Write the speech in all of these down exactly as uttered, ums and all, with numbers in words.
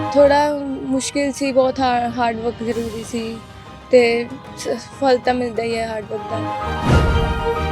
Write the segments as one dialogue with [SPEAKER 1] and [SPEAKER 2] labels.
[SPEAKER 1] थोड़ा मुश्किल सी, बहुत हार्ड हार्ड वर्क जरूरी सी ते फल तो मिलता ही है हार्ड वर्क का।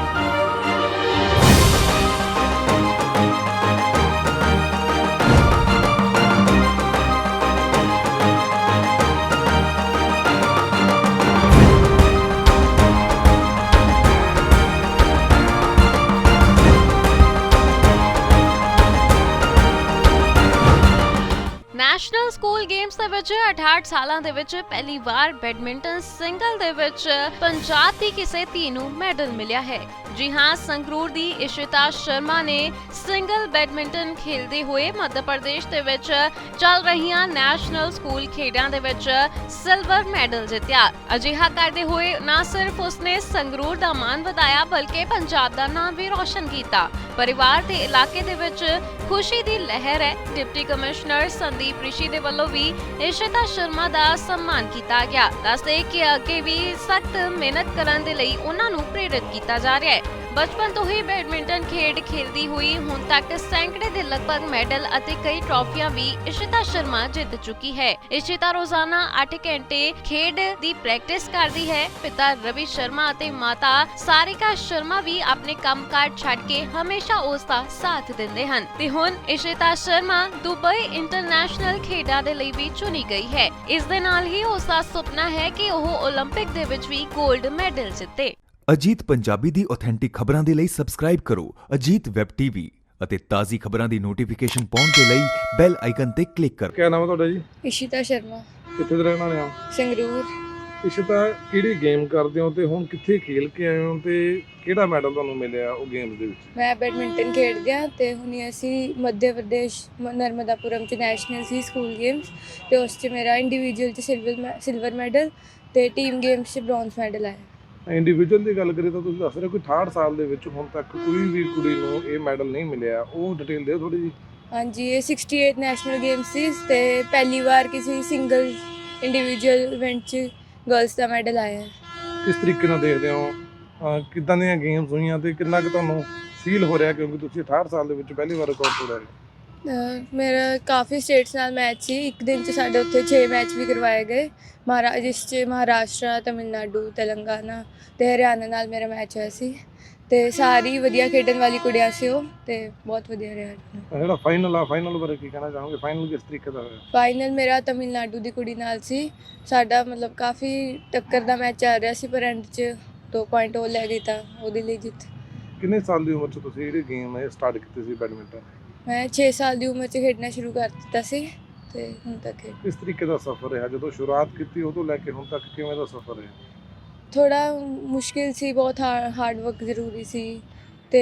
[SPEAKER 2] ਨੈਸ਼ਨਲ ਸਕੂਲ ਗੇਮਸ ਦੇ ਵਿੱਚ ਅਠਾਹਠ ਸਾਲਾਂ ਦੇ ਵਿੱਚ ਪਹਿਲੀ ਵਾਰ ਬੈਡਮਿੰਟਨ ਸਿੰਗਲ ਦੇ ਵਿੱਚ ਪੰਜਾਬ ਦੀ ਕਿਸੇ ਧੀ ਨੂੰ ਮੈਡਲ ਮਿਲਿਆ ਹੈ। ਜੀ ਹਾਂ, ਸੰਗਰੂਰ ਦੀ ਇਸ਼ਿਤਾ ਸ਼ਰਮਾ ਨੇ ਸਿੰਗਲ ਬੈਡਮਿੰਟਨ ਖੇਡਦੇ ਹੋਏ ਮੱਧ ਪ੍ਰਦੇਸ਼ ਦੇ ਵਿੱਚ ਚੱਲ ਰਹੀਆਂ ਨੈਸ਼ਨਲ ਸਕੂਲ ਖੇਡਾਂ ਦੇ ਵਿੱਚ ਸਿਲਵਰ ਮੈਡਲ ਜਿੱਤਿਆ। ਅਜਿਹਾ ਕਰਦੇ ਹੋਏ ਨਾ ਸਿਰਫ ਉਸਨੇ ਸੰਗਰੂਰ ਦਾ ਮਾਣ ਵਧਾਇਆ ਬਲਕਿ ਪੰਜਾਬ ਦਾ ਨਾਮ ਵੀ ਰੋਸ਼ਨ ਕੀਤਾ। ਪਰਿਵਾਰ ਤੇ ਇਲਾਕੇ ਦੇ ਵਿੱਚ ਖੁਸ਼ੀ ਦੀ ਲਹਿਰ ਹੈ। ਡਿਪਟੀ ਕਮਿਸ਼ਨਰ ਸੰਦੀਪ ਰਿਸ਼ੀ ਦੇ ਵੱਲੋਂ ਵੀ ਇਸ਼ਿਤਾ ਸ਼ਰਮਾ ਦਾ ਸਨਮਾਨ ਕੀਤਾ ਗਿਆ। ਦੱਸਦੇ ਕਿ ਅੱਗੇ ਵੀ ਸਖਤ ਮਿਹਨਤ ਕਰਨ ਦੇ ਲਈ ਉਹਨਾਂ ਨੂੰ ਪ੍ਰੇਰਿਤ ਕੀਤਾ ਜਾ ਰਿਹਾ ਹੈ। ਬਚਪਨ ਤੋਂ ਹੀ ਬੈਡਮਿੰਟਨ ਖੇਡ ਖੇਡਦੀ ਹੋਈ ਹੁਣ ਤੱਕ ਸੈਂਕੜੇ ਦੇ ਲਗਭਗ ਮੈਡਲ ਅਤੇ ਕਈ ਟਰਾਫੀਆਂ ਵੀ ਇਸ਼ਿਤਾ ਸ਼ਰਮਾ ਜਿੱਤ ਚੁੱਕੀ ਹੈ। ਇਸ਼ਿਤਾ ਰੋਜ਼ਾਨਾ ਅੱਠ ਘੰਟੇ ਖੇਡ ਦੀ ਪ੍ਰੈਕਟਿਸ ਕਰਦੀ ਹੈ। ਪਿਤਾ ਰਵੀ ਸ਼ਰਮਾ ਅਤੇ ਮਾਤਾ ਸਾਰਿਕਾ ਸ਼ਰਮਾ ਵੀ ਆਪਣੇ ਕੰਮਕਾਜ ਛੱਡ ਕੇ ਹਮੇਸ਼ਾ ਉਸ ਦਾ ਸਾਥ ਦਿੰਦੇ ਹਨ ਤੇ ਹੁਣ ਇਸ਼ਿਤਾ ਸ਼ਰਮਾ ਦੁਬਈ ਇੰਟਰਨੈਸ਼ਨਲ ਖੇਡਾਂ ਦੇ ਲਈ ਵੀ ਚੁਣੀ ਗਈ ਹੈ। ਇਸ ਦੇ ਨਾਲ ਹੀ ਉਸ ਦਾ ਸੁਪਨਾ ਹੈ ਕਿ ਉਹ ਓਲੰਪਿਕ ਦੇ ਵਿੱਚ ਵੀ 골ਡ ਮੈਡਲ ਜਿੱਤੇ।
[SPEAKER 3] ਅਜੀਤ ਪੰਜਾਬੀ ਦੀ ਆਥੈਂਟਿਕ ਖਬਰਾਂ ਦੇ ਲਈ ਸਬਸਕ੍ਰਾਈਬ ਕਰੋ ਅਜੀਤ ਵੈਬ ਟੀਵੀ ਅਤੇ ਤਾਜ਼ੀ ਖਬਰਾਂ ਦੀ ਨੋਟੀਫਿਕੇਸ਼ਨ ਪਾਉਣ ਦੇ ਲਈ ਬੈਲ ਆਈਕਨ ਤੇ ਕਲਿੱਕ ਕਰੋ।
[SPEAKER 4] ਕੀ ਨਾਮ ਹੈ ਤੁਹਾਡਾ ਜੀ?
[SPEAKER 1] इशिता शर्मा,
[SPEAKER 4] ਕਿੱਥੇ ਦੇ ਰਹਿਣ ਵਾਲੇ ਆ?
[SPEAKER 1] संगरूर।
[SPEAKER 4] ਇਸ਼ਿਤਾ, ਕਿਹੜੀ ਗੇਮ ਕਰਦੇ ਹੋ ਤੇ ਹੁਣ ਕਿੱਥੇ ਖੇਲ ਕੇ ਆਏ ਹੋ ਤੇ ਕਿਹੜਾ ਮੈਡਲ ਤੁਹਾਨੂੰ ਮਿਲਿਆ ਉਹ ਗੇਮਸ ਦੇ ਵਿੱਚ?
[SPEAKER 1] ਮੈਂ ਬੈਡਮਿੰਟਨ ਖੇਡਦੀ ਹਾਂ ਤੇ ਹੁਣੇ ਅਸੀਂ ਮੱਧ ਪ੍ਰਦੇਸ਼ ਮ- ਨਰਮਦਾਪੁਰਮ ਚ ਨੈਸ਼ਨਲ ਸੀ ਸਕੂਲ ਗੇਮਸ ਤੇ ਉਸ ਚ ਮੇਰਾ ਇੰਡੀਵਿਜੂਅਲ ਚ ਸਿਲਵਰ ਸਿਲਵਰ ਮੈਡਲ ਤੇ ਟੀਮ ਗੇਮਸ ਚ ਬ੍ਰੌਂਜ਼ ਮੈਡਲ ਆਇਆ।
[SPEAKER 4] ਇੰਡੀਵਿਜੂਅਲ ਦੀ ਗੱਲ ਕਰੀਏ ਤਾਂ ਤੁਸੀਂ ਦੱਸ ਰਹੇ ਹੋ ਕਿ ਅਠਾਹਠ ਸਾਲ ਦੇ ਵਿੱਚ ਹੁਣ ਤੱਕ ਕੋਈ ਵੀ ਕੁੜੀ ਨੂੰ ਇਹ ਮੈਡਲ ਨਹੀਂ ਮਿਲਿਆ, ਉਹ ਡਿਟੇਲ ਦਿਓ ਥੋੜੀ ਜੀ।
[SPEAKER 1] ਹਾਂਜੀ, ਇਹ ਅਠਾਸੀ ਨੈਸ਼ਨਲ ਗੇਮਸ ਸੀ ਤੇ ਪਹਿਲੀ ਵਾਰ ਕਿਸੇ ਸਿੰਗਲ ਇੰਡੀਵਿਜੂਅਲ ਇਵੈਂਟ ਚ ਗਰਲਸ ਦਾ ਮੈਡਲ ਆਇਆ ਹੈ।
[SPEAKER 4] ਕਿਸ ਤਰੀਕੇ ਨਾਲ ਦੇਖਦੇ ਹੋ ਅਹ ਕਿੱਦਾਂ ਦੀਆਂ ਗੇਮਸ ਹੋਈਆਂ ਤੇ ਕਿੰਨਾ ਕੁ ਤੁਹਾਨੂੰ ਫੀਲ ਹੋ ਰਿਹਾ ਕਿਉਂਕਿ ਤੁਸੀਂ ਅਠਾਹਠ ਸਾਲ ਦੇ ਵਿੱਚ ਪਹਿਲੀ ਵਾਰ ਰਿਕਾਰਡ ਤੋੜਿਆ ਹੈ?
[SPEAKER 1] ਅਹ ਮੇਰਾ ਕਾਫੀ ਸਟੇਟਸ ਨਾਲ ਮੈਚ ਸੀ। ਇੱਕ ਦਿਨ ਚ ਸਾਡੇ ਉੱਥੇ ਛੇ ਮੈਚ ਵੀ ਕਰਵਾਏ ਗਏ, ਮਹਾਰਾ ਜਿਸ ਚ ਮਹਾਰਾਸ਼ਟਰ, ਤਮਿਲਨਾਡੂ, ਤੇਲੰਗਾਨਾ ਤੇ ਹਰਿਆਣਾ ਨਾਲ ਮੇਰਾ ਮੈਚ ਹੋਇਆ ਸੀ ਤੇ ਸਾਰੀ ਵਧੀਆ ਖੇਡਣ ਵਾਲੀ ਕੁੜੀਆਂ ਸੀ ਉਹ ਤੇ ਬਹੁਤ ਵਧੀਆ ਰਿਹਾ।
[SPEAKER 4] ਅਹ ਜਿਹੜਾ ਫਾਈਨਲ ਆ, ਫਾਈਨਲ ਬਾਰੇ ਕੀ ਕਹਿਣਾ ਚਾਹੋਗੇ? ਫਾਈਨਲ ਕਿਸ ਤਰੀਕੇ ਦਾ ਹੋਇਆ?
[SPEAKER 1] ਫਾਈਨਲ ਮੇਰਾ ਤਮਿਲਨਾਡੂ ਦੀ ਕੁੜੀ ਨਾਲ ਸੀ। ਸਾਡਾ ਮਤਲਬ ਕਾਫੀ ਟੱਕਰ ਦਾ ਮੈਚ ਚੱਲ ਰਿਹਾ ਸੀ ਪਰ ਐਂਡ 'ਚ ਦੋ ਪੁਆਇੰਟ ਉਹ ਲੈ ਗਈ ਤਾਂ ਉਹਦੇ ਲਈ ਜਿੱਤ।
[SPEAKER 4] ਕਿੰਨੇ ਸਾਲ ਦੀ ਉਮਰ 'ਚ ਤੁਸੀਂ ਜਿਹੜੀ ਗੇਮ ਹੈ ਸਟਾਰਟ ਕੀਤੀ ਸੀ ਬੈਡਮਿੰਟਨ?
[SPEAKER 1] ਮੈਂ ਛੇ ਸਾਲ ਦੀ ਉਮਰ 'ਚ ਖੇਡਣਾ ਸ਼ੁਰੂ ਕਰ ਦਿੱਤਾ ਸੀ ਤੇ ਹੁਣ ਤੱਕ ਖੇਡ।
[SPEAKER 4] ਕਿਸ ਤਰੀਕੇ ਦਾ ਸਫ਼ਰ ਰਿਹਾ ਜਦੋਂ ਸ਼ੁਰੂਆਤ ਕੀਤੀ ਉਦੋਂ ਲੈ ਕੇ ਹੁਣ ਤੱਕ ਕਿਵੇਂ ਦਾ ਸਫ਼ਰ ਰਿਹਾ?
[SPEAKER 1] ਥੋੜਾ ਮੁਸ਼ਕਿਲ ਸੀ, ਬਹੁਤ ਹਾਰਡ ਵਰਕ ਜ਼ਰੂਰੀ ਸੀ ਤੇ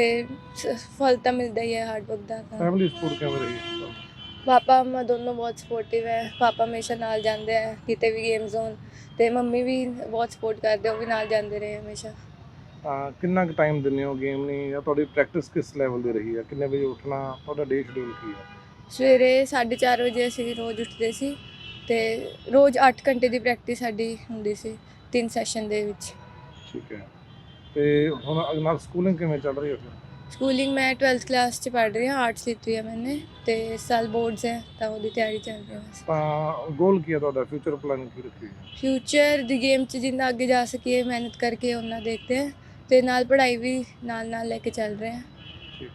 [SPEAKER 1] ਫਲ ਤਾਂ ਮਿਲਦਾ ਹੀ ਹੈ ਹਾਰਡ ਵਰਕ ਦਾ। ਤਾਂ
[SPEAKER 4] ਫੈਮਿਲੀ ਸਪੋਰਟ ਕਿਵੇਂ ਰਹੀ?
[SPEAKER 1] ਪਾਪਾ ਮੰਮਾ ਦੋਨੋਂ ਬਹੁਤ ਸਪੋਰਟਿਵ ਹੈ। ਪਾਪਾ ਹਮੇਸ਼ਾ ਨਾਲ ਜਾਂਦੇ ਹੈ ਕਿਤੇ ਵੀ ਗੇਮ ਜ਼ੋਨ ਤੇ ਮੰਮੀ ਵੀ ਬਹੁਤ ਸਪੋਰਟ ਕਰਦੇ, ਉਹ ਵੀ ਨਾਲ ਜਾਂਦੇ ਰਹੇ ਹਮੇਸ਼ਾ।
[SPEAKER 4] ਹਾਂ, ਕਿੰਨਾ ਕੁ ਟਾਈਮ ਦਿੰਦੇ ਹੋ ਗੇਮ ਨੂੰ ਜਾਂ ਤੁਹਾਡੀ ਪ੍ਰੈਕਟਿਸ ਕਿਸ ਲੈਵਲ ਦੀ ਰਹੀ ਹੈ? ਕਿੰਨੇ ਵਜੇ ਉੱਠਣਾ, ਤੁਹਾਡਾ ਡੇ ਸ਼ਡਿਊਲ ਕੀ ਹੈ?
[SPEAKER 1] ਸਵੇਰੇ ਸਾਢੇ ਚਾਰ ਵਜੇ ਅਸੀਂ ਰੋਜ਼ ਉੱਠਦੇ ਸੀ ਤੇ ਰੋਜ਼ ਅੱਠ ਘੰਟੇ ਦੀ ਪ੍ਰੈਕਟਿਸ ਸਾਡੀ ਹੁੰਦੀ ਸੀ ਤਿੰਨ ਸੈਸ਼ਨ ਦੇ ਵਿੱਚ।
[SPEAKER 4] ਠੀਕ ਹੈ, ਤੇ ਹੁਣ ਨਾਲ ਸਕੂਲਿੰਗ ਕਿਵੇਂ ਚੱਲ ਰਹੀ ਹੈ ਫਿਰ?
[SPEAKER 1] ਸਕੂਲਿੰਗ ਮੈਂ ਟਵੈਲਥ ਕਲਾਸ 'ਚ ਪੜ੍ਹ ਰਹੀ ਹਾਂ, ਆਰਟਸ ਲਿੱਤੀ ਹੈ ਮੈंने ਤੇ ਇਸ ਸਾਲ ਬੋਰਡਸ ਹੈ ਤਾਂ ਉਹਦੀ ਤਿਆਰੀ ਚੱਲ ਰਹੀ ਹੈ ਬਸ।
[SPEAKER 4] ਤਾਂ ਗੋਲ ਕੀ ਹੈ ਤੁਹਾਡਾ? ਫਿਊਚਰ ਪਲਾਨਿੰਗ ਕੀ ਰੱਖੀ ਹੈ?
[SPEAKER 1] ਫਿਊਚਰ ਦੀ ਗੇਮ 'ਚ ਜਿੰਨਾ ਅੱਗੇ ਜਾ ਸਕੀਏ ਮਿਹਨਤ ਕਰਕੇ ਉਹਨਾਂ ਦੇਖਦੇ ਹਾਂ ਤੇ ਨਾਲ ਪੜ੍ਹਾਈ ਵੀ ਨਾਲ ਨਾਲ ਲੈ ਕੇ ਚੱਲ ਰਹੇ ਹਾਂ।
[SPEAKER 4] ਠੀਕ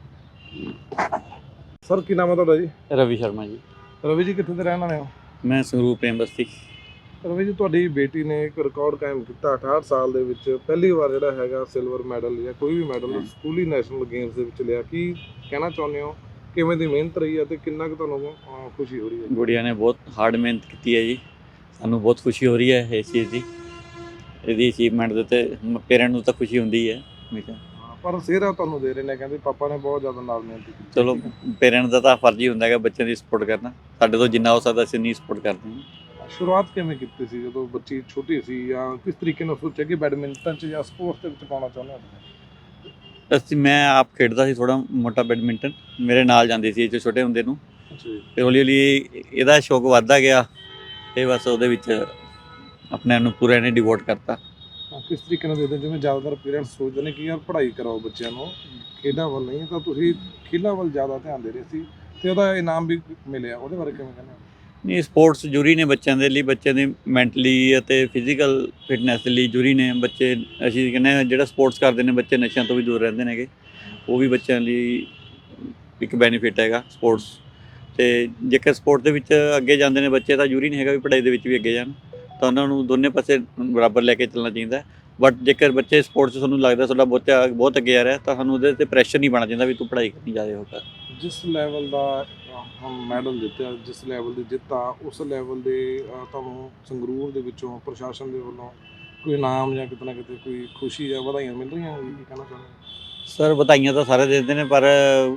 [SPEAKER 4] ਹੈ ਸਰ, ਕੀ ਨਾਮ ਹੈ ਤੁਹਾਡਾ ਜੀ?
[SPEAKER 5] ਰਵੀ ਸ਼ਰਮਾ ਜੀ।
[SPEAKER 4] ਰਵੀ ਜੀ, ਕਿੱਥੇ ਦੇ ਰਹਿਣ ਵਾਲੇ ਹੋ?
[SPEAKER 5] ਮੈਂ ਸੰਗਰੂਰ ਪ੍ਰੇਮ ਬਸਤੀ।
[SPEAKER 4] ਰਵੀ ਜੀ, ਤੁਹਾਡੀ ਬੇਟੀ ਨੇ ਇੱਕ ਰਿਕਾਰਡ ਕਾਇਮ ਕੀਤਾ ਅਠਾਹਠ ਸਾਲ ਦੇ ਵਿੱਚ ਪਹਿਲੀ ਵਾਰ ਜਿਹੜਾ ਹੈਗਾ ਸਿਲਵਰ ਮੈਡਲ ਜਾਂ ਕੋਈ ਵੀ ਮੈਡਲ ਸਕੂਲੀ ਨੈਸ਼ਨਲ ਗੇਮਸ ਦੇ ਵਿੱਚ ਲਿਆ। ਕੀ ਕਹਿਣਾ ਚਾਹੁੰਦੇ ਹੋ? ਕਿਵੇਂ ਦੀ ਮਿਹਨਤ ਰਹੀ ਹੈ ਤੇ ਕਿੰਨਾ ਕੁ ਤੁਹਾਨੂੰ ਅਹ, ਖੁਸ਼ੀ ਹੋ ਰਹੀ ਹੈ?
[SPEAKER 5] ਗੁੜੀਆ ਨੇ ਬਹੁਤ ਹਾਰਡ ਮਿਹਨਤ ਕੀਤੀ ਹੈ ਜੀ, ਸਾਨੂੰ ਬਹੁਤ ਖੁਸ਼ੀ ਹੋ ਰਹੀ ਹੈ ਇਸ ਚੀਜ਼ ਦੀ। ਇਹਦੀ ਅਚੀਵਮੈਂਟ ਦੇ ਉੱਤੇ ਪੇਰੈਂਟ ਨੂੰ ਤਾਂ ਖੁਸ਼ੀ ਹੁੰਦੀ ਹੈ ਹਮੇਸ਼ਾ,
[SPEAKER 4] ਹਾਂ, ਪਰ ਸਿਹਰਾ ਤੁਹਾਨੂੰ ਦੇ ਰਹੇ ਨੇ, ਕਹਿੰਦੇ ਪਾਪਾ ਨੇ ਬਹੁਤ ਜ਼ਿਆਦਾ ਨਾਲ ਮਿਹਨਤ ਕੀਤੀ।
[SPEAKER 5] ਚਲੋ ਪੇਰੈਂਟ ਦਾ ਤਾਂ ਫਰਜ਼ ਹੀ ਹੁੰਦਾ ਹੈਗਾ ਬੱਚਿਆਂ ਦੀ ਸਪੋਰਟ ਕਰਨਾ। ਸਾਡੇ ਤੋਂ ਜਿੰਨਾ ਹੋ ਸਕਦਾ ਅਸੀਂ ਨਹੀਂ ਸਪੋਰਟ ਕਰਦੇ ਹਾਂ।
[SPEAKER 4] ਸ਼ੁਰੂਆਤ ਕਿਵੇਂ ਕੀਤੀ ਸੀ ਜਦੋਂ ਬੱਚੀ ਛੋਟੀ ਸੀ ਜਾਂ ਕਿਸ ਤਰੀਕੇ ਨਾਲ ਸੋਚਿਆ ਕਿ ਬੈਡਮਿੰਟਨ 'ਚ ਜਾਂ ਸਪੋਰਟਸ ਦੇ ਵਿੱਚ ਪਾਉਣਾ ਚਾਹੁੰਦੇ ਹੋ?
[SPEAKER 5] ਅਸੀਂ ਮੈਂ ਆਪ ਖੇਡਦਾ ਸੀ ਥੋੜ੍ਹਾ ਮੋਟਾ ਬੈਡਮਿੰਟਨ, ਮੇਰੇ ਨਾਲ ਜਾਂਦੀ ਸੀ ਇਹ 'ਚ ਛੋਟੇ ਹੁੰਦੇ ਨੂੰ।
[SPEAKER 4] ਅੱਛਾ ਜੀ।
[SPEAKER 5] ਫਿਰ ਹੌਲੀ ਹੌਲੀ ਇਹਦਾ ਸ਼ੌਕ ਵੱਧਦਾ ਗਿਆ ਤੇ ਬਸ ਉਹਦੇ ਵਿੱਚ ਆਪਣੇ ਆਪ ਨੂੰ ਪੂਰਾ ਇਹਨੇ ਡਿਵੋਟ ਕਰਤਾ।
[SPEAKER 4] ਹਾਂ, ਕਿਸ ਤਰੀਕੇ ਨਾਲ ਦੇਖਦੇ ਹੋ? ਜਿਵੇਂ ਜ਼ਿਆਦਾਤਰ ਪੇਰੈਂਟਸ ਸੋਚਦੇ ਨੇ ਕਿ ਯਾਰ ਪੜ੍ਹਾਈ ਕਰਾਓ ਬੱਚਿਆਂ ਨੂੰ, ਖੇਡਾਂ ਵੱਲ ਨਹੀਂ, ਤਾਂ ਤੁਸੀਂ ਖੇਡਾਂ ਵੱਲ ਜ਼ਿਆਦਾ ਧਿਆਨ ਦੇ ਰਹੇ ਸੀ ਤੇ ਉਹਦਾ ਇਨਾਮ ਵੀ ਮਿਲਿਆ, ਉਹਦੇ ਬਾਰੇ ਕਿਵੇਂ ਕਹਿੰਦੇ ਹੋ?
[SPEAKER 5] ਨਹੀਂ, ਸਪੋਰਟਸ ਜ਼ਰੂਰੀ ਨੇ ਬੱਚਿਆਂ ਦੇ ਲਈ, ਬੱਚਿਆਂ ਦੀ ਮੈਂਟਲੀ ਅਤੇ ਫਿਜ਼ੀਕਲ ਫਿਟਨੈਸ ਲਈ ਜ਼ਰੂਰੀ ਨੇ। ਬੱਚੇ ਅਸੀਂ ਕਹਿੰਦੇ ਹਾਂ ਜਿਹੜਾ ਸਪੋਰਟਸ ਕਰਦੇ ਨੇ ਬੱਚੇ ਨਸ਼ਿਆਂ ਤੋਂ ਵੀ ਦੂਰ ਰਹਿੰਦੇ ਨੇਗੇ, ਉਹ ਵੀ ਬੱਚਿਆਂ ਲਈ ਇੱਕ ਬੈਨੀਫਿਟ ਹੈਗਾ ਸਪੋਰਟਸ। ਅਤੇ ਜੇਕਰ ਸਪੋਰਟ ਦੇ ਵਿੱਚ ਅੱਗੇ ਜਾਂਦੇ ਨੇ ਬੱਚੇ ਤਾਂ ਜ਼ਰੂਰੀ ਨਹੀਂ ਹੈਗਾ ਵੀ ਪੜ੍ਹਾਈ ਦੇ ਵਿੱਚ ਵੀ ਅੱਗੇ ਜਾਣ, ਤਾਂ ਉਹਨਾਂ ਨੂੰ ਦੋਨੇ ਪਾਸੇ ਬਰਾਬਰ ਲੈ ਕੇ ਚੱਲਣਾ ਚਾਹੀਦਾ। ਬਟ ਜੇਕਰ ਬੱਚੇ ਸਪੋਰਟਸ 'ਚ ਤੁਹਾਨੂੰ ਲੱਗਦਾ ਤੁਹਾਡਾ ਬੱਚਾ ਬਹੁਤ ਅੱਗੇ ਆ ਰਿਹਾ ਤਾਂ ਸਾਨੂੰ ਉਹਦੇ 'ਤੇ ਪ੍ਰੈਸ਼ਰ ਨਹੀਂ ਪਾਉਣਾ ਚਾਹੀਦਾ ਵੀ ਤੂੰ ਪੜ੍ਹਾਈ ਕਰਨੀ ਜ਼ਿਆਦਾ ਹੋ ਕਰ।
[SPEAKER 4] ਜਿਸ ਲੈਵਲ ਦਾ ਹੁਣ ਮੈਡਲ ਜਿੱਤਿਆ, ਜਿਸ ਲੈਵਲ ਦੀ ਜਿੱਤ ਆ, ਉਸ ਲੈਵਲ ਦੇ ਅ, ਤੁਹਾਨੂੰ ਸੰਗਰੂਰ ਦੇ ਵਿੱਚੋਂ ਪ੍ਰਸ਼ਾਸਨ ਦੇ ਵੱਲੋਂ ਕੋਈ ਇਨਾਮ ਜਾਂ ਕਿਤੇ ਨਾ ਕਿਤੇ ਕੋਈ ਖੁਸ਼ੀ ਜਾਂ ਵਧਾਈਆਂ ਮਿਲ ਰਹੀਆਂ ਹੋਣ, ਕੀ ਕਹਿਣਾ ਚਾਹੁੰਦੇ ਹੋ?
[SPEAKER 5] ਸਰ ਵਧਾਈਆਂ ਤਾਂ ਸਾਰੇ ਦਿੰਦੇ ਨੇ, ਪਰ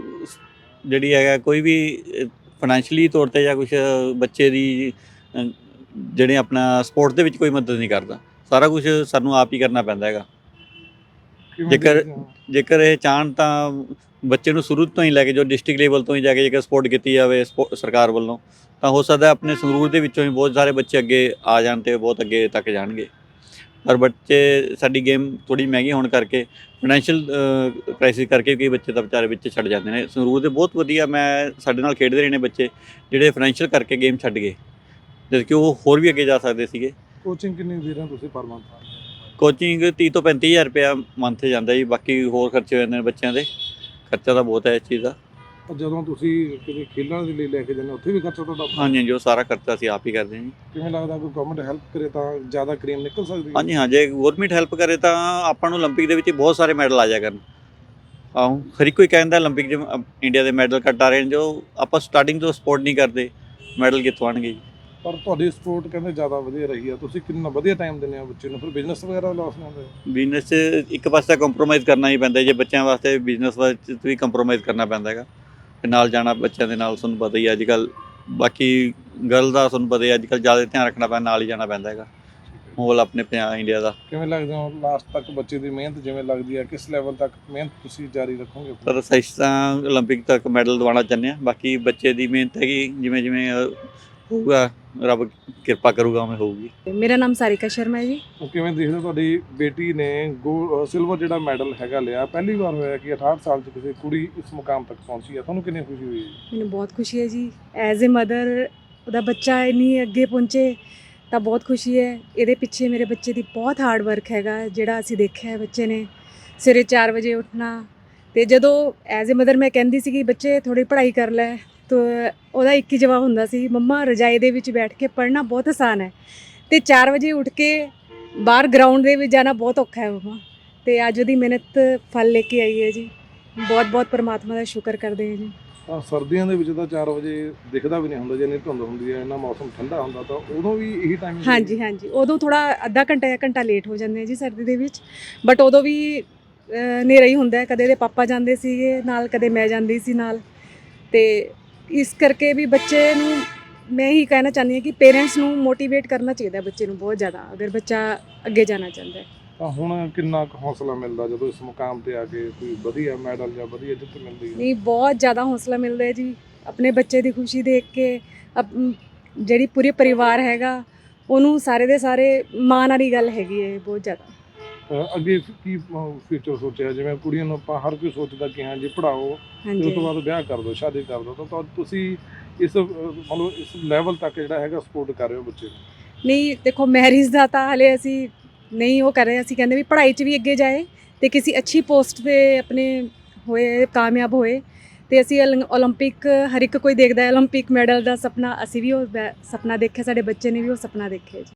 [SPEAKER 5] ਜਿਹੜੀ ਹੈਗਾ ਕੋਈ ਵੀ ਫਾਈਨੈਂਸ਼ੀਅਲੀ ਤੌਰ 'ਤੇ ਜਾਂ ਕੁਛ ਬੱਚੇ ਦੀ ਅ, ਜਿਹੜੇ ਆਪਣਾ ਸਪੋਰਟਸ ਦੇ ਵਿੱਚ ਕੋਈ ਮਦਦ ਨਹੀਂ ਕਰਦਾ। ਸਾਰਾ ਕੁਝ ਸਾਨੂੰ ਆਪ ਹੀ ਕਰਨਾ ਪੈਂਦਾ ਹੈਗਾ।
[SPEAKER 4] ਕਿਵੇਂ
[SPEAKER 5] ਜੇਕਰ
[SPEAKER 4] ਦੇਖਦੇ ਹੋ?
[SPEAKER 5] ਜੇਕਰ ਇਹ ਚਾਹਣ ਤਾਂ ਬੱਚੇ ਨੂੰ ਸ਼ੁਰੂ ਤੋਂ ਹੀ ਲੈ ਕੇ ਜੋ ਡਿਸਟ੍ਰਿਕਟ ਲੈਵਲ ਤੋਂ ਹੀ ਜਾ ਕੇ ਜੇਕਰ ਸਪੋਰਟ ਕੀਤੀ ਜਾਵੇ ਸਪੋ ਸਰਕਾਰ ਵੱਲੋਂ, ਤਾਂ ਹੋ ਸਕਦਾ ਆਪਣੇ ਸੰਗਰੂਰ ਦੇ ਵਿੱਚੋਂ ਹੀ ਬਹੁਤ ਸਾਰੇ ਬੱਚੇ ਅੱਗੇ ਆ ਜਾਣ ਅਤੇ ਬਹੁਤ ਅੱਗੇ ਤੱਕ ਜਾਣਗੇ। ਪਰ ਬੱਚੇ ਸਾਡੀ ਗੇਮ ਥੋੜ੍ਹੀ ਮਹਿੰਗੀ ਹੋਣ ਕਰਕੇ, ਫਾਈਨੈਂਸ਼ੀਅਲ ਕ੍ਰਾਈਸਿਸ ਕਰਕੇ ਕਈ ਬੱਚੇ ਤਾਂ ਵਿਚਾਰੇ ਵਿੱਚ ਛੱਡ ਜਾਂਦੇ ਨੇ। ਸੰਗਰੂਰ ਦੇ ਬਹੁਤ ਵਧੀਆ ਮੈਂ ਸਾਡੇ ਨਾਲ ਖੇਡਦੇ ਰਹੇ ਨੇ ਬੱਚੇ ਜਿਹੜੇ ਫਾਈਨੈਂਸ਼ੀਅਲ ਕਰਕੇ ਗੇਮ ਛੱਡ ਗਏ, ਜਦ ਕਿ ਉਹ ਹੋਰ ਵੀ ਅੱਗੇ ਜਾ ਸਕਦੇ ਸੀਗੇ।
[SPEAKER 4] ਕੋਚਿੰਗ ਕਿੰਨੀ ਦੇ ਰਹੇ ਹੋ ਤੁਸੀਂ ਪਰ ਮੰਥ?
[SPEAKER 5] ਕੋਚਿੰਗ ਤੀਹ ਤੋਂ ਪੈਂਤੀ ਹਜ਼ਾਰ ਰੁਪਇਆ ਮੰਥ 'ਤੇ ਜਾਂਦਾ ਜੀ, ਬਾਕੀ ਹੋਰ ਖਰਚੇ ਹੋ ਜਾਂਦੇ ਨੇ ਬੱਚਿਆਂ ਦੇ। ਖਰਚਾ ਤਾਂ ਬਹੁਤ ਹੈ ਇਸ ਚੀਜ਼ ਦਾ।
[SPEAKER 4] ਪਰ ਜਦੋਂ ਤੁਸੀਂ ਕਿਤੇ ਖੇਡਣ ਦੇ ਲਈ ਲੈ ਕੇ ਜਾਂਦੇ ਹੋ, ਉੱਥੇ ਵੀ ਖਰਚਾ ਤੁਹਾਡਾ ਆਪਣਾ?
[SPEAKER 5] ਹਾਂਜੀ ਹਾਂਜੀ, ਉਹ ਸਾਰਾ ਖਰਚਾ ਅਸੀਂ ਆਪ ਹੀ ਕਰਦੇ ਹਾਂ ਜੀ।
[SPEAKER 4] ਕਿਵੇਂ ਲੱਗਦਾ ਕੋਈ ਗਵਰਨਮੈਂਟ ਹੈਲਪ ਕਰੇ ਤਾਂ ਜ਼ਿਆਦਾ ਕਰੀਮ ਨਿਕਲ ਸਕਦੀ ਹੈ?
[SPEAKER 5] ਹਾਂਜੀ ਹਾਂ, ਜੇ ਗੌਰਮੈਂਟ ਹੈਲਪ ਕਰੇ ਤਾਂ ਆਪਾਂ ਨੂੰ ਓਲੰਪਿਕ ਦੇ ਵਿੱਚ ਬਹੁਤ ਸਾਰੇ ਮੈਡਲ ਆ ਜਾਇਆ ਕਰਨ। ਆਹੋ, ਹਰ ਇੱਕ ਕੋਈ ਕਹਿੰਦਾ ਓਲੰਪਿਕ 'ਚ ਇੰਡੀਆ ਦੇ ਮੈਡਲ ਘੱਟ ਆ ਰਹੇ ਨੇ, ਜੋ ਆਪਾਂ ਸਟਾਰਟਿੰਗ ਤੋਂ ਸਪੋਰਟ ਨਹੀਂ ਕਰਦੇ ਮੈਡਲ ਕਿੱਥੋਂ ਆਉਣਗੇ ਜੀ।
[SPEAKER 4] ਪਰ ਤੁਹਾਡੀ ਸਪੋਰਟ ਕਹਿੰਦੇ ਜ਼ਿਆਦਾ ਵਧੀਆ ਰਹੀ ਆ, ਤੁਸੀਂ ਕਿੰਨਾ ਵਧੀਆ ਟਾਈਮ ਦਿੰਦੇ ਆ ਬੱਚੇ ਨੂੰ, ਫਿਰ ਬਿਜ਼ਨਸ ਵਗੈਰਾ ਲਾਸ ਨਹੀਂ ਹੁੰਦੇ?
[SPEAKER 5] ਬਿਜ਼ਨਸ 'ਚ ਇੱਕ ਪਾਸੇ ਕੰਪਰੋਮਾਈਜ਼ ਕਰਨਾ ਹੀ ਪੈਂਦਾ, ਜੇ ਬੱਚਿਆਂ ਵਾਸਤੇ ਬਿਜ਼ਨਸ ਵਿੱਚ ਵੀ ਕੰਪਰੋਮਾਈਜ਼ ਕਰਨਾ ਪੈਂਦਾ ਹੈਗਾ। ਤੇ ਨਾਲ ਜਾਣਾ ਬੱਚਿਆਂ ਦੇ ਨਾਲ, ਤੁਹਾਨੂੰ ਪਤਾ ਹੀ ਅੱਜ ਕੱਲ੍ਹ ਬਾਕੀ ਗਰਲ ਦਾ ਤੁਹਾਨੂੰ ਪਤਾ ਹੀ ਅੱਜ ਕੱਲ੍ਹ ਜ਼ਿਆਦਾ ਧਿਆਨ ਰੱਖਣਾ ਪੈਂਦਾ, ਨਾਲ ਹੀ ਜਾਣਾ ਪੈਂਦਾ ਹੈਗਾ ਮਾਹੌਲ ਆਪਣੇ ਪੰਜਾਬ ਇੰਡੀਆ ਦਾ।
[SPEAKER 4] ਕਿਵੇਂ ਲੱਗਦਾ ਹੁਣ ਲਾਸਟ ਤੱਕ ਬੱਚੇ ਦੀ ਮਿਹਨਤ ਜਿਵੇਂ ਲੱਗਦੀ ਹੈ, ਕਿਸ ਲੈਵਲ ਤੱਕ ਮਿਹਨਤ ਤੁਸੀਂ ਜਾਰੀ ਰੱਖੋਗੇ?
[SPEAKER 5] ਪਰ ਅਸੀਂ ਤਾਂ ਓਲੰਪਿਕ ਤੱਕ ਮੈਡਲ ਦਿਵਾਉਣਾ ਚਾਹੁੰਦੇ ਹਾਂ, ਬਾਕੀ ਬੱਚੇ ਦੀ ਮਿਹਨਤ ਹੈਗੀ, ਜਿਵੇਂ ਜਿਵੇਂ ਅ, ਹੋਊਗਾ ਰੱਬ ਕਿਰਪਾ ਕਰੂਗਾ ਉਵੇਂ ਹੋਊਗੀ।
[SPEAKER 6] ਮੇਰਾ ਨਾਮ ਸਾਰਿਕਾ ਸ਼ਰਮਾ ਹੈ ਜੀ।
[SPEAKER 4] ਉਹ ਕਿਵੇਂ ਦੇਖਦੇ ਹੋ ਤੁਹਾਡੀ ਬੇਟੀ ਨੇ ਗੋ ਸਿਲਵਰ ਜਿਹੜਾ ਮੈਡਲ ਹੈਗਾ ਲਿਆ, ਪਹਿਲੀ ਵਾਰ ਹੋਇਆ ਕਿ ਅਠਾਹਠ ਸਾਲ 'ਚ ਕਿਸੇ ਕੁੜੀ ਇਸ ਮੁਕਾਮ ਤੱਕ ਪਹੁੰਚੀ ਹੈ, ਤੁਹਾਨੂੰ ਕਿੰਨੀ ਖੁਸ਼ੀ ਹੋਈ?
[SPEAKER 6] ਮੈਨੂੰ ਬਹੁਤ ਖੁਸ਼ੀ ਹੈ ਜੀ, ਐਜ਼ ਅ ਮਦਰ ਉਹਦਾ ਬੱਚਾ ਇੰਨੀ ਅੱਗੇ ਪਹੁੰਚੇ ਤਾਂ ਬਹੁਤ ਖੁਸ਼ੀ ਹੈ। ਇਹਦੇ ਪਿੱਛੇ ਮੇਰੇ ਬੱਚੇ ਦੀ ਬਹੁਤ ਹਾਰਡ ਵਰਕ ਹੈਗਾ, ਜਿਹੜਾ ਅਸੀਂ ਦੇਖਿਆ ਹੈ ਬੱਚੇ ਨੇ ਸਵੇਰੇ ਚਾਰ ਵਜੇ ਉੱਠਣਾ। ਅਤੇ ਜਦੋਂ ਐਜ਼ ਅ ਮਦਰ ਮੈਂ ਕਹਿੰਦੀ ਸੀ ਕਿ ਬੱਚੇ ਥੋੜ੍ਹੀ ਪੜ੍ਹਾਈ ਕਰ ਲੈ, ਤਾਂ ਉਹਦਾ ਇੱਕ ਹੀ ਜਵਾਬ ਹੁੰਦਾ ਸੀ, ਮੰਮਾ ਰਜਾਈ ਦੇ ਵਿੱਚ ਬੈਠ ਕੇ ਪੜ੍ਹਨਾ ਬਹੁਤ ਆਸਾਨ ਹੈ ਅਤੇ ਚਾਰ ਵਜੇ ਉੱਠ ਕੇ ਬਾਹਰ ਗਰਾਊਂਡ ਦੇ ਵਿੱਚ ਜਾਣਾ ਬਹੁਤ ਔਖਾ ਹੈ ਮੰਮਾ। ਅਤੇ ਅੱਜ ਉਹਦੀ ਮਿਹਨਤ ਫਲ ਲੈ ਕੇ ਆਈ ਹੈ ਜੀ, ਬਹੁਤ ਬਹੁਤ ਪਰਮਾਤਮਾ ਦਾ ਸ਼ੁਕਰ ਕਰਦੇ ਹਾਂ ਜੀ।
[SPEAKER 4] ਤਾਂ ਸਰਦੀਆਂ ਦੇ ਵਿੱਚ ਤਾਂ ਚਾਰ ਵਜੇ ਦਿਖਦਾ ਵੀ ਨਹੀਂ ਹੁੰਦਾ, ਜੇ ਇੰਨੀ ਧੁੰਦ ਹੁੰਦੀ ਹੈ, ਇੰਨਾ ਮੌਸਮ ਠੰਡਾ ਹੁੰਦਾ, ਤਾਂ ਉਦੋਂ ਵੀ ਇਹੀ ਟਾਈਮ?
[SPEAKER 6] ਹਾਂਜੀ ਹਾਂਜੀ, ਉਦੋਂ ਥੋੜ੍ਹਾ ਅੱਧਾ ਘੰਟਾ ਜਾਂ ਘੰਟਾ ਲੇਟ ਹੋ ਜਾਂਦੇ ਆ ਜੀ ਸਰਦੀ ਦੇ ਵਿੱਚ, ਬਟ ਉਦੋਂ ਵੀ ਹਨੇਰਾ ਹੀ ਹੁੰਦਾ। ਕਦੇ ਇਹਦੇ ਪਾਪਾ ਜਾਂਦੇ ਸੀਗੇ ਨਾਲ, ਕਦੇ ਮੈਂ ਜਾਂਦੀ ਸੀ ਨਾਲ। ਅਤੇ ਇਸ ਕਰਕੇ ਵੀ ਬੱਚੇ ਨੂੰ ਮੈਂ ਇਹੀ ਕਹਿਣਾ ਚਾਹੁੰਦੀ ਹਾਂ ਕਿ ਪੇਰੈਂਟਸ ਨੂੰ ਮੋਟੀਵੇਟ ਕਰਨਾ ਚਾਹੀਦਾ ਬੱਚੇ ਨੂੰ ਬਹੁਤ ਜ਼ਿਆਦਾ, ਅਗਰ ਬੱਚਾ ਅੱਗੇ ਜਾਣਾ ਚਾਹੁੰਦਾ ਹੈ।
[SPEAKER 4] ਤਾਂ ਹੁਣ ਕਿੰਨਾ ਕੁ ਹੌਸਲਾ ਮਿਲਦਾ ਜਦੋਂ ਇਸ ਮੁਕਾਮ 'ਤੇ ਆ ਕੇ ਕੋਈ ਵਧੀਆ ਮੈਡਲ ਜਾਂ ਵਧੀਆ ਜਿੱਤ ਮਿਲਦੀ ਹੈ?
[SPEAKER 6] ਨਹੀਂ, ਬਹੁਤ ਜ਼ਿਆਦਾ ਹੌਸਲਾ ਮਿਲਦਾ ਹੈ ਜੀ, ਆਪਣੇ ਬੱਚੇ ਦੀ ਖੁਸ਼ੀ ਦੇਖ ਕੇ। ਜਿਹੜੀ ਪੂਰੇ ਪਰਿਵਾਰ ਹੈਗਾ ਉਹਨੂੰ ਸਾਰੇ ਦੇ ਸਾਰੇ ਮਾਣ ਵਾਲੀ ਗੱਲ ਹੈਗੀ ਹੈ ਬਹੁਤ ਜ਼ਿਆਦਾ।
[SPEAKER 4] ਅ, ਅੱਗੇ ਕੀ ਫਿਊਚਰ ਸੋਚਿਆ? ਜਿਵੇਂ ਕੁੜੀਆਂ ਨੂੰ ਆਪਾਂ ਹਰ ਕੋਈ ਸੋਚਦਾ ਕਿ ਹਾਂ ਜੀ ਪੜ੍ਹਾਓ ਤੇ ਉਸ
[SPEAKER 6] ਹਾਂਜੀ
[SPEAKER 4] ਤੋਂ ਬਾਅਦ ਵਿਆਹ ਕਰ ਦਿਓ, ਸ਼ਾਦੀ ਕਰ ਦਿਓ, ਤਾਂ ਤੁਹਾ- ਤੁਸੀਂ ਇਸ ਅ, ਮਤਲਬ ਇਸ ਲੈਵਲ ਤੱਕ ਜਿਹੜਾ ਹੈਗਾ ਸਪੋਰਟ ਕਰ ਰਹੇ ਹੋ ਬੱਚੇ ਨੂੰ?
[SPEAKER 6] ਨਹੀਂ, ਦੇਖੋ ਮੈਰਿਜ ਦਾ ਤਾਂ ਹਾਲੇ ਅਸੀਂ ਨਹੀਂ ਉਹ ਕਰ ਰਹੇ, ਅਸੀਂ ਕਹਿੰਦੇ ਵੀ ਪੜ੍ਹਾਈ 'ਚ ਵੀ ਅੱਗੇ ਜਾਏ ਅਤੇ ਕਿਸੇ ਅੱਛੀ ਪੋਸਟ 'ਤੇ ਆਪਣੇ ਹੋਏ, ਕਾਮਯਾਬ ਹੋਏ। ਅਤੇ ਅਸੀਂ ਓਲੰ ਓਲੰਪਿਕ ਹਰ ਇੱਕ ਕੋਈ ਦੇਖਦਾ ਹੈ ਓਲੰਪਿਕ ਮੈਡਲ ਦਾ ਸੁਪਨਾ, ਅਸੀਂ ਵੀ ਉਹ ਸੁਪਨਾ ਦੇਖਿਆ, ਸਾਡੇ ਬੱਚੇ ਨੇ ਵੀ ਉਹ ਸੁਪਨਾ ਦੇਖਿਆ ਜੀ।